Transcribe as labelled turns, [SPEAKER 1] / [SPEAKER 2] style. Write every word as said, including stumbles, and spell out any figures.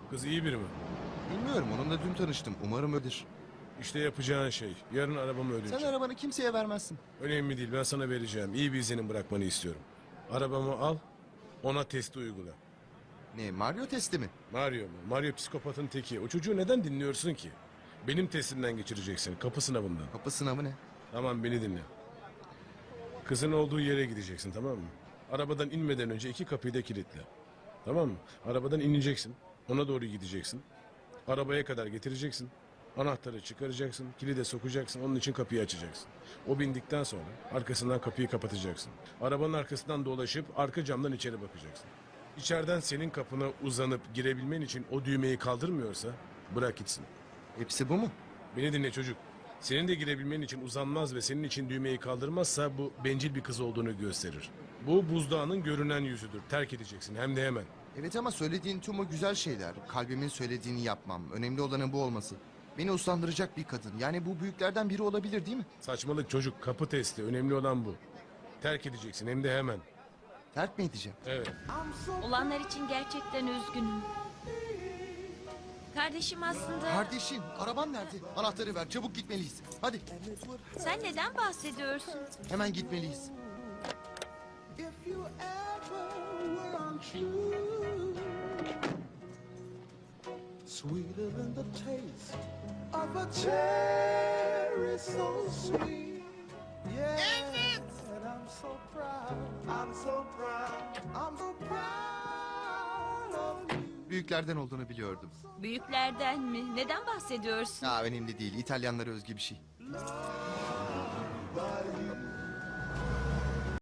[SPEAKER 1] Kız iyi biri mi?
[SPEAKER 2] Bilmiyorum, onunla dün tanıştım. Umarım öyledir.
[SPEAKER 1] İşte yapacağın şey. Yarın arabamı ödeyeceğim.
[SPEAKER 2] Sen arabanı kimseye vermezsin.
[SPEAKER 1] Önemli değil, ben sana vereceğim. İyi bir izlenim bırakmanı istiyorum. Arabamı al, ona testi uygula.
[SPEAKER 2] Ne, Mario testi mi?
[SPEAKER 1] Mario mu? Mario psikopatın teki. O çocuğu neden dinliyorsun ki? Benim testimden geçireceksin, kapı sınavından.
[SPEAKER 2] Kapı sınavı ne?
[SPEAKER 1] Tamam, beni dinle. Kızın olduğu yere gideceksin, tamam mı? Arabadan inmeden önce iki kapıyı da kilitle. Tamam mı? Arabadan ineceksin, ona doğru gideceksin. Arabaya kadar getireceksin. Anahtarı çıkaracaksın, kilide sokacaksın, onun için kapıyı açacaksın. O bindikten sonra arkasından kapıyı kapatacaksın. Arabanın arkasından dolaşıp arka camdan içeri bakacaksın. İçeriden senin kapına uzanıp girebilmen için o düğmeyi kaldırmıyorsa bırak gitsin.
[SPEAKER 2] Hepsi bu mu?
[SPEAKER 1] Beni dinle çocuk. Senin de girebilmen için uzanmaz ve senin için düğmeyi kaldırmazsa bu bencil bir kız olduğunu gösterir. Bu buzdağının görünen yüzüdür. Terk edeceksin hem de hemen.
[SPEAKER 2] Evet ama söylediğin tüm o güzel şeyler. Kalbimin söylediğini yapmam. Önemli olanın bu olması. Beni uslandıracak bir kadın. Yani bu büyüklerden biri olabilir değil mi?
[SPEAKER 1] Saçmalık çocuk, kapı testi. Önemli olan bu. Terk edeceksin hem de hemen.
[SPEAKER 2] Terk mi edeceğim?
[SPEAKER 1] Evet.
[SPEAKER 3] Olanlar için gerçekten üzgünüm. Kardeşim aslında...
[SPEAKER 2] Kardeşim, araban nerede? Anahtarı ver, çabuk gitmeliyiz. Hadi,
[SPEAKER 3] Sen neden bahsediyorsun?
[SPEAKER 2] hemen gitmeliyiz.
[SPEAKER 4] If you ever were untrue, sweeter than the taste of a cherry, so sweet. Yeah, and I'm so proud. I'm so proud. I'm so proud of you.
[SPEAKER 2] Büyüklerden olduğunu biliyordum.
[SPEAKER 3] Büyüklerden mi? Neden bahsediyorsun?
[SPEAKER 2] Ha, önemli değil. İtalyanlara özgü bir şey.
[SPEAKER 4] But